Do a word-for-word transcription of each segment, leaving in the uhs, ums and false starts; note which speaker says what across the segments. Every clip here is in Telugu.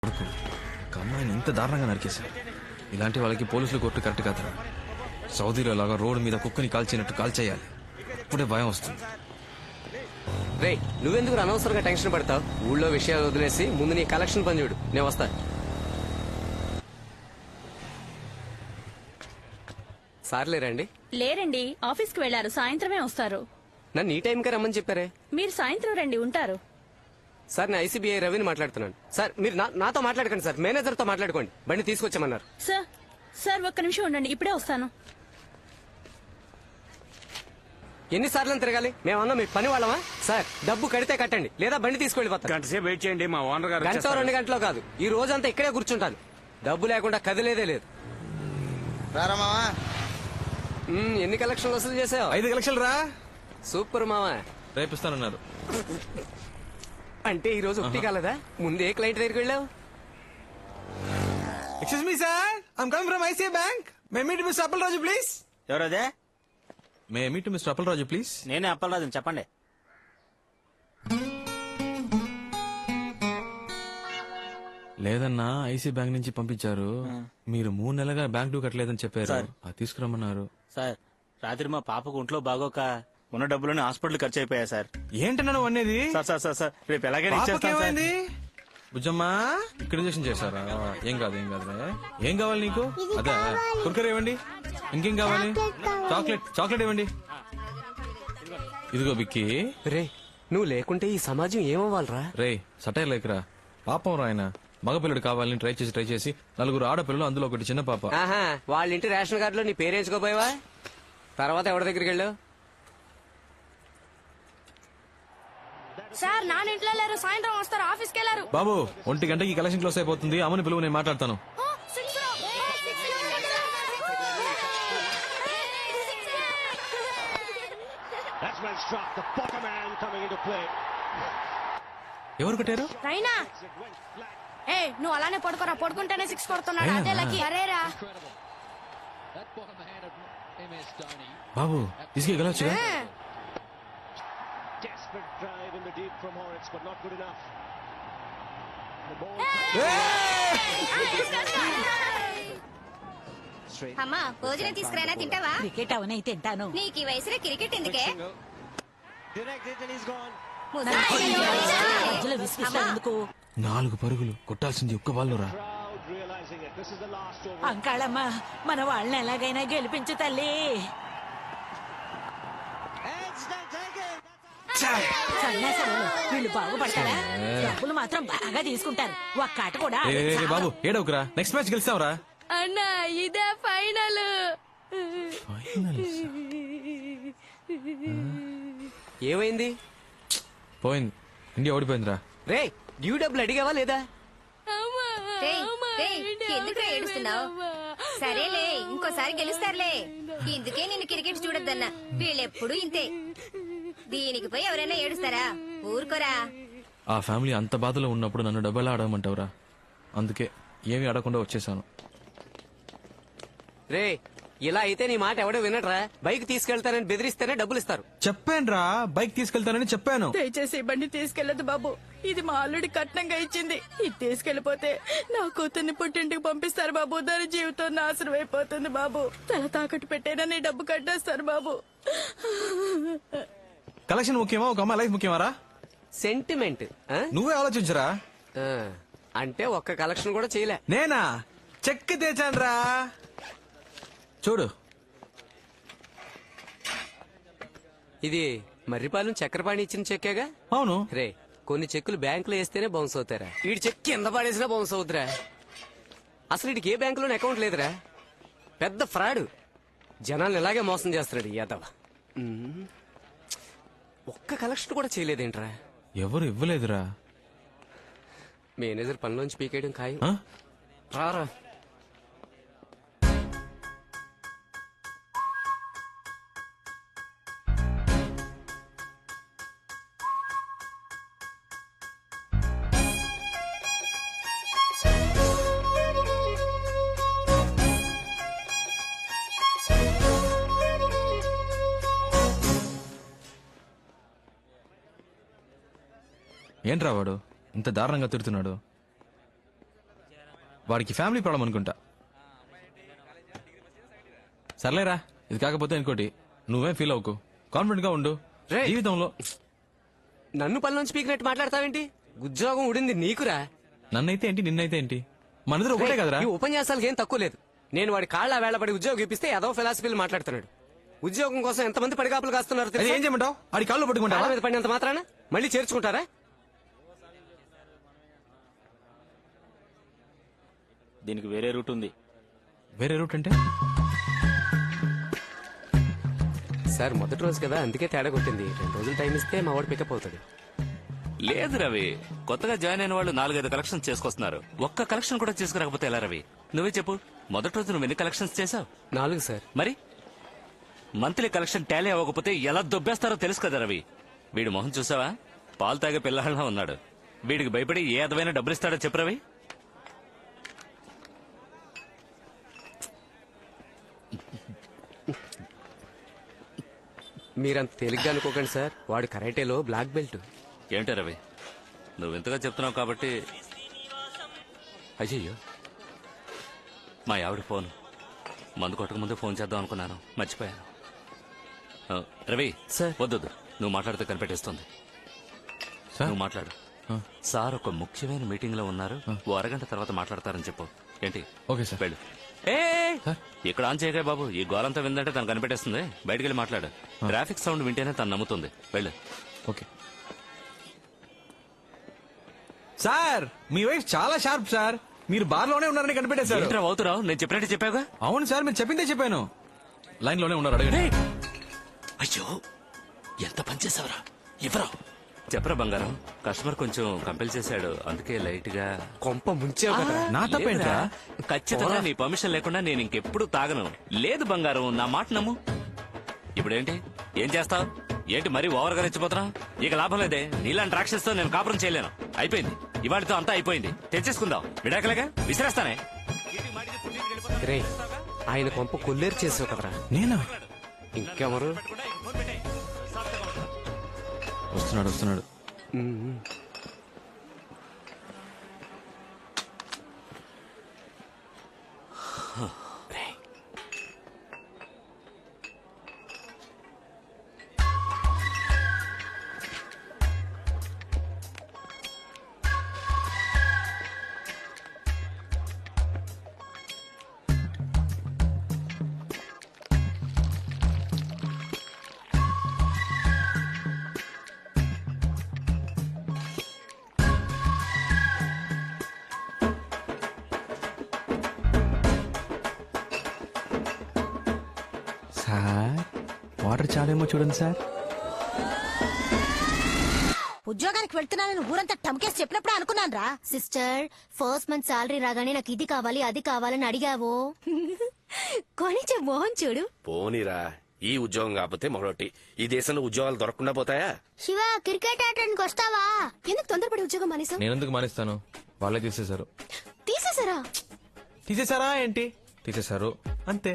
Speaker 1: కొడుకు ఒక అమ్మాయిని ఇంత దారుణంగా నరికేశారు. ఇలాంటి వాళ్ళకి పోలీసులు కొట్టు కరెక్ట్ కాదురా. సౌదీలో లాగా రోడ్డు మీద కుక్కని కాల్చినట్టు కాల్చేయాలి. అప్పుడే భయం వస్తుంది.
Speaker 2: రే నువ్వెందుకు అనవసరంగా టెన్షన్ పడతావు? ఊళ్ళో విషయాలు వదిలేసి ముందు నీ కలెక్షన్ పని చూడు. నేను వస్తా. సార్ లేరండి?
Speaker 3: లేరండి, ఆఫీస్ కి వెళ్లారు. సాయంత్రమే వస్తారు.
Speaker 2: నన్ను ఈ టైంకే రమ్మని చెప్పారే.
Speaker 3: మీరు సాయంత్రం రండి, ఉంటారు.
Speaker 2: సార్ నేను ఐసీబీఐ రవిని మాట్లాడుతున్నాను. సార్ మీరు నా- నాతో మాట్లాడకండి సార్, మేనేజర్ తో మాట్లాడుకోండి. బండి తీసుకొచ్చామన్నారు.
Speaker 3: సార్ సార్ ఒక్క నిమిషం ఉండండి, ఇప్పుడే వస్తాను.
Speaker 2: ఎన్నిసార్లు తిరగాలి? మేమన్నా మీ పని వాళ్ళమా? సార్ డబ్బు కడితే కట్టండి, లేదా బండి తీసుకెళ్ళిపోతాను.
Speaker 4: గంట సేపు వెయిట్ చేయండి, మా ఓనర్ గారు
Speaker 2: గంట
Speaker 4: వచ్చేస్తారు.
Speaker 2: రెండు గంటలో కాదు, ఈ రోజంతా ఇక్కడే కూర్చుంటాను. డబ్బు లేకుండా కదిలేదే లేదు. మ్మ్, ఎన్ని కలెక్షన్లు వసూలు చేసావు?
Speaker 1: ఐదు లక్షలు రా.
Speaker 2: సూపర్ మావా.
Speaker 1: రేపిస్తానన్నారు.
Speaker 2: అంటే ఈ రోజు ఒకటి కాలేదా? ముందే క్లయింట్ దగ్గరికి వెళ్ళావు.
Speaker 1: Excuse me sir, I'm coming from ICI bank. May meet mister Appalaraju please.
Speaker 4: ఎవరదే?
Speaker 1: May meet mister Appalaraju please.
Speaker 4: నేనే అప్పలరాజు, చెప్పండి.
Speaker 1: లేదన్నా, ఐసీ బ్యాంక్ నుంచి పంపించారు. మీరు మూడు నెలలుగా బ్యాంక్ డ్యూ కట్టలేదని చెప్పారు.
Speaker 4: సార్.
Speaker 1: అది తీసుకురమ్మన్నారు.
Speaker 4: సార్ రాత్రి మా పాపకు ఒంట్లో బాగోక ఉన్న డబ్బులని హాస్పిటల్ ఖర్చు అయిపోయా సార్.
Speaker 1: ఏంటన్నా నువ్వు అనేది?
Speaker 4: సార్ సార్ సార్ సార్ రేపు ఎలాగైనా ఇచ్చేస్తాను సార్.
Speaker 1: పాపకేమైంది? బుజ్జమ్మా, ఇక్కడ ఇంజక్షన్ చేశారా? ఏం కాదు ఏం కాదులే. ఏం కావాలి నీకు? అదే కుర్కర్ ఇవ్వండి. ఇంకేం కావాలి? చాక్లెట్ చాక్లెట్ ఇవ్వండి. ఇదిగో బిక్కి.
Speaker 2: రే నువ్వు లేకుంటే ఈ సమాజం ఏమవ్వాలరా?
Speaker 1: రే సటైర్ లేకరా. పాపం రాయన మగపిల్లడు కావాలని ట్రై చేసి ట్రై చేసి నలుగురు ఆడపిల్లలు, అందులో ఒకటి చిన్న పాప.
Speaker 2: ఆహా, వాళ్ళ ఇంటి రేషన్ కార్డులో నీ పేరేంచుకోపోయావా? తర్వాత ఎవరి దగ్గరికి వెళ్ళావు?
Speaker 3: సార్ నాన్న ఇంట్లో లేరు, సాయంత్రం వస్తారు. ఆఫీస్కి వెళ్ళారు.
Speaker 1: బాబు, ఒంటి గంటకి కలెక్షన్ క్లోజ్ అయిపోతుంది. అమ్మని పిలువు, నేను మాట్లాడతాను.
Speaker 5: That's well struck. The bottom man coming into play.
Speaker 1: ఎవరు కొట్టారు?
Speaker 3: రైనా, ఏ నువ్వు అలానే పడుకోరా, పడుకుంటేనే సిక్స్ కొడుతున్నాడు. అదే లకి. అరేరా
Speaker 1: బాబు, తీసుకెళ్ళి గెలవచ్చుగా.
Speaker 5: Desperate drive in the deep from Horitz, but not good enough. The ball.
Speaker 6: అమ్మా భోజనం తీసుకురానా, తింటావా?
Speaker 7: క్రికెట్ అవనే తింటాను.
Speaker 6: నీకు ఈ వయసులో క్రికెట్ ఎందుకే?
Speaker 5: Directed and he's gone.
Speaker 7: మధ్యలో విసిగిస్తాను ఎందుకు?
Speaker 1: నాలుగు పరుగులు కొట్టాల్సింది ఒక్క బాల్లో రా.
Speaker 5: Crowd realizing it. This is the last over.
Speaker 7: Ankalamma, మన వాళ్ళని ఎలాగైనా గెలిపించు తల్లి. సన్యాసాలు వీళ్ళు బాగుపడతారా? డబ్బులు మాత్రం బాగా తీసుకుంటారు. ఒక్క ఆట కూడా
Speaker 1: ఏ, ఏ, ఏ,
Speaker 7: ఆడరు.
Speaker 1: బాబు ఏడవకురా. నెక్స్ట్ మ్యాచ్ గెలిస్తావురా.
Speaker 3: అన్నా ఇదే ఫైనల్.
Speaker 2: ఏమైంది?
Speaker 1: పోయింది, ఇండియా ఓడిపోయిందిరా.
Speaker 2: రే డ్యూ డబ్బులు అడిగావా లేదా?
Speaker 6: రేయ్, రేయ్, ఎందుకురా ఏడుస్తున్నావు? సరేలే, ఇంకోసారి గెలుస్తారులే. ఇందుకే నిన్ను క్రికెట్ చూడొద్దన్నా. వీళ్ళెప్పుడు ఇంతే. దీనికి పోయి ఎవరైనా ఏడుస్తారా? ఊరుకోరా.
Speaker 1: ఆ ఫ్యామిలీ అంత బాధలో ఉన్నప్పుడు నన్ను డబ్బు ఎలా ఆడమంటావురా? అందుకే ఏమీ ఆడకుండా వచ్చేసాను.
Speaker 2: రే ఇలా అయితే నీ మాట ఎవడో వినట్రా. బైక్ తీసుకెళ్తానని బెదిరిస్తేనే డబ్బులు ఇస్తారు.
Speaker 1: చెప్పానురా, బైక్ తీసుకెళ్తానని చెప్పాను.
Speaker 3: దయచేసి ఈ బండి తీసుకెళ్లదు బాబు. ఇది మా అల్లుడి కట్నంగా ఇచ్చింది. ఇది తీసుకెళ్లిపోతే నా కూతుర్ని పుట్టింటికి పంపిస్తారు బాబు. దాని జీవితం నాశనం అయిపోతుంది బాబు. తల తాకట్టు పెట్టైనా నీ డబ్బు కట్టేస్తారు బాబు.
Speaker 1: కలెక్షన్ ముఖ్యమా, ఒక అమ్మాయి లైఫ్ ముఖ్యమారా?
Speaker 2: సెంటిమెంట్ ఆ?
Speaker 1: నువ్వే ఆలోచించరా.
Speaker 2: ఆ, అంటే ఒక్క కలెక్షన్ కూడా చేయలే.
Speaker 1: నేనా చెక్ తెచ్చానురా, చూడు.
Speaker 2: ఇది మర్రిపాలెం చక్రపాణి ఇచ్చిన చెక్కేగా?
Speaker 1: అవును.
Speaker 2: రే కొన్ని చెక్కులు బ్యాంకులో వేస్తేనే బౌన్స్ అవుతారా? వీడి చెక్ కింద పడేసినా బౌన్స్ అవుతురా. అసలు వీడికి ఏ బ్యాంకులోనే అకౌంట్ లేదురా. పెద్ద ఫ్రాడ్. జనాలను ఇలాగే మోసం చేస్తున్నాడు ఈ యాదవ. ఉమ్. ఒక్క కలెక్షన్ కూడా చేయలేదేంట్రా?
Speaker 1: ఎవరు ఇవ్వలేదురా.
Speaker 2: మేనేజర్ పనిలోంచి పీకేయడం ఖాయం.
Speaker 1: ఆ?
Speaker 2: రారా.
Speaker 1: ఏంట్రా వాడు ఇంత దారుణంగా తిడుతున్నాడు? వాడికి ఫ్యామిలీ ప్రాబ్లం అనుకుంటా. సర్లేరా, ఇది కాకపోతే ఇంకోటి. నువ్వేం ఫీల్ అవ్వకు, కాన్ఫిడెంట్ గా ఉండు.
Speaker 2: రేయ్.
Speaker 1: జీవితంలో
Speaker 2: నన్ను పనిలోంచి పీకినట్టు మాట్లాడతావేంటి? ఉద్యోగం ఉడింది నీకురా.
Speaker 1: నన్నైతే ఏంటి, నిన్నైతే ఏంటి, మనిద్దరు ఒకటే కదరా.
Speaker 2: ఈ ఉపన్యాసాలకు ఏం తక్కువ లేదు. నేను వాడి కాళ్ళ వేళపడి ఉద్యోగం ఇప్పిస్తే ఏదో ఫిలాసఫీలు మాట్లాడుతున్నాడు. ఉద్యోగం కోసం ఎంతమంది పడిగాపులు కాస్తున్నారు
Speaker 1: అది
Speaker 2: తెలుసా?
Speaker 1: ఏం చేయమంటావు? ఆడి కాళ్ళు పట్టుకుంటా.
Speaker 2: కాళ్ళ మీద పడినంత మాత్రాన మళ్ళీ చేర్చుకుంటారా?
Speaker 4: దీనికి వేరే రూట్ ఉంది.
Speaker 1: వేరే రూట్ అంటే?
Speaker 2: సార్ మొదటి రోజు కదా, అందుకే తేడా కొట్టింది. రెండు రోజులు టైం ఇస్తే మా వాడు పికప్ అవుతాడు.
Speaker 8: లేదు రవి, కొత్తగా జాయిన్ అయిన వాళ్ళు నాలుగైదు కలెక్షన్స్ చేసుకొస్తున్నారు. ఒక్క కలెక్షన్ కూడా చేసుకురాకపోతే ఎలా రవి? నువ్వే చెప్పు, మొదటి రోజు నువ్వు ఎన్ని కలెక్షన్స్ చేసావు?
Speaker 2: నాలుగు సార్.
Speaker 8: మరి మంత్లీ కలెక్షన్ టాలీ అవ్వకపోతే ఎలా దొబ్బేస్తారో తెలుసు కదా రవి. వీడి మొహం చూసావా? పాలు తాగే పిల్లహళ్ళ ఉన్నాడు. వీడికి భయపడి ఏ అదమైన డబ్బులు ఇస్తాడో చెప్పు రవి.
Speaker 2: మీరంత తేలిగ్గా అనుకోకండి సార్, వాడు కరాటేలో బ్లాక్ బెల్ట్.
Speaker 8: ఏంటో రవి, నువ్వు ఇంతగా చెప్తున్నావు కాబట్టి. అయ్యయ్యో, మా ఆవిడ ఫోన్. మందు కొట్టక ముందే ఫోన్ చేద్దాం అనుకున్నాను, మర్చిపోయాను. ఆ, రవి
Speaker 2: సార్.
Speaker 8: వద్దొద్దు, నువ్వు మాట్లాడితే కనిపెట్టేస్తుంది.
Speaker 1: సార్?
Speaker 8: నువ్వు మాట్లాడు.
Speaker 1: ఆ.
Speaker 8: సార్ ఒక ముఖ్యమైన మీటింగ్ లో ఉన్నారు, ఓ అరగంట తర్వాత మాట్లాడతారని చెప్పు. ఏంటి?
Speaker 1: Okay sir.
Speaker 8: వెళ్ళు. ఏ
Speaker 1: సార్?
Speaker 8: ఇక్కడ ఆన్ చేయగా బాబు, ఈ గోలంతా విందంటే తను కనిపెట్టేస్తుంది. బయటికి వెళ్ళి మాట్లాడు. ట్రాఫిక్ సౌండ్ వింటేనే తను నమ్ముతుంది. వెళ్ళు.
Speaker 1: ఓకే సార్, మీ వైఫ్ చాలా షార్ప్ సార్. మీరు బార్ లోనే ఉన్నారని కనిపెట్టేశారు.
Speaker 8: ఏంట్రా అవుతురావు? నేను చెప్పినట్టు చెప్పావుగా.
Speaker 1: అవును సార్, మీరు చెప్పిందే చెప్పాను. లైన్ లోనే ఉన్నారు, అడగండి.
Speaker 8: అయ్యో, ఎంత పనిచేసావరా? ఇవ్వరా? చెప్పరా బంగారం. కస్టమర్ కొంచెం కంపెల్ చేశాడు, అందుకే లైట్ గా.
Speaker 2: కొంప ముంచావు కదా.
Speaker 1: నా తప్పేంట్రా?
Speaker 8: లేదురా, ఖచ్చితంగా నీ పర్మిషన్ లేకుండా నేను ఇంకెప్పుడు తాగను. లేదు బంగారం, నా మాట నమ్ము. ఇప్పుడేంటి, ఏం చేస్తావు? ఏంటి మరీ ఓవర్ గా రెచ్చిపోతున్నా? ఇక లాభం లేదే, నీలాంటి రాక్షసుతో నేను కాపురం చేయలేను. అయిపోయింది, ఇవాళతో అంతా అయిపోయింది. తెచ్చేసుకుందాం, విడాకలేగా విసిరేస్తానే.
Speaker 2: రే, ఆయన కొంప కొల్లేరు చేసావు కదరా.
Speaker 1: నేనా?
Speaker 2: ఇంకెవరు?
Speaker 1: వస్తున్నాడు వస్తున్నాడు. సార్, వాటర్ చాలేమో చూడండి సార్.
Speaker 6: ఉద్యోగానికి వెళ్తున్నానని ఊరంతా టమ్కేసి చెప్పినప్పుడే అనుకున్నాను రా. సిస్టర్, ఫస్ట్ మంత్ సాలరీ రాగానే నాకు ఇది కావాలి అది కావాలని అడిగావు. కొనిచ్చే మోహన్ చూడు.
Speaker 9: పోనీరా, ఈ ఉద్యోగం కాకపోతే మరొకటి. ఈ దేశంలో ఉద్యోగాలు దొరకకుండా పోతాయా?
Speaker 6: శివ, క్రికెట్ ఆడడానికి వస్తావా? ఎందుకు తొందరపడి ఉద్యోగం మానేసావు?
Speaker 1: నేను ఎందుకు మానేస్తాను? వాళ్ళే తీసేశారు.
Speaker 6: తీసేసారా?
Speaker 1: తీసేశారా ఏంటి? తీసేశారు అంతే.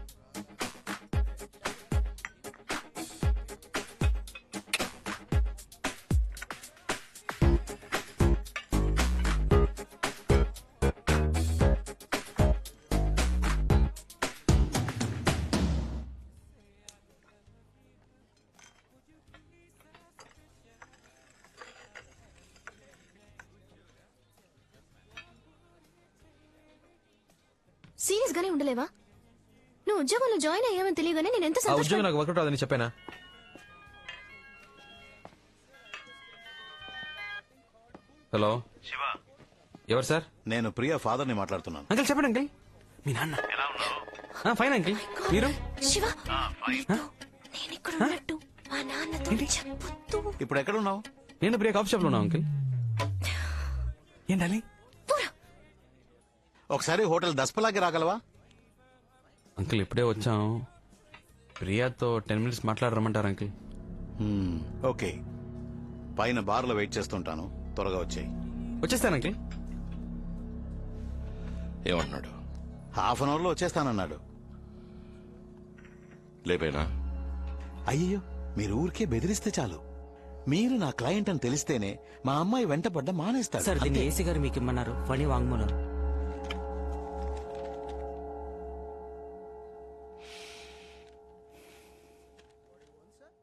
Speaker 6: సీరియస్ గానే ఉండలేవా? నువ్వు ఉద్యోగంలో జాయిన్ అయ్యావని తెలియగానే నేను ఎంత
Speaker 1: ఆ ఉద్యోగం నాకు వర్కౌట్ అవుదని చెప్పానా? హలో
Speaker 10: శివ,
Speaker 1: ఎవరు సార్?
Speaker 10: నేను ప్రియా ఫాదర్ ని మాట్లాడుతున్నాను.
Speaker 1: అంకిల్ చెప్పండి అంకిల్. మీ నాన్న ఫైన్ అంకిల్. మీరు?
Speaker 6: శివ, నీతో నేను ఇక్కడ ఉన్నట్టు మా నాన్నతో చెప్పొద్దు.
Speaker 10: ఇప్పుడు ఎక్కడ ఉన్నావు?
Speaker 1: నేను ప్రియా కాఫీ షాప్ లో ఉన్నా అంకిల్. ఏంటాలి?
Speaker 10: ఒకసారి హోటల్ దస్పలాకి రాగలవా?
Speaker 1: అంకిల్ ఇప్పుడే వచ్చాం. ప్రియాతో టెన్ మినిట్స్ మాట్లాడరమ్మంటారు అంకిల్.
Speaker 10: Hmm, okay. పైన బార్ లో వెయిట్ చేస్తుంటాను, త్వరగా వచ్చాయి.
Speaker 1: వచ్చేస్తాను అంకిల్.
Speaker 9: ఏమంటున్నాడు?
Speaker 10: హాఫ్ అన్ అవర్ లో వచ్చేస్తానన్నాడు.
Speaker 9: లేపేనా?
Speaker 10: అయ్యో, మీరు ఊరికే బెదిరిస్తే చాలు. మీరు నా క్లయింట్ అని తెలిస్తేనే మా అమ్మాయి వెంటపడ్డ మానేస్తాడు.
Speaker 11: సార్, దీన్ని
Speaker 10: అంతే.
Speaker 11: ఏసీ గారు మీకు ఇమ్మన్నారు. ఫణి వాంగ్మూలం.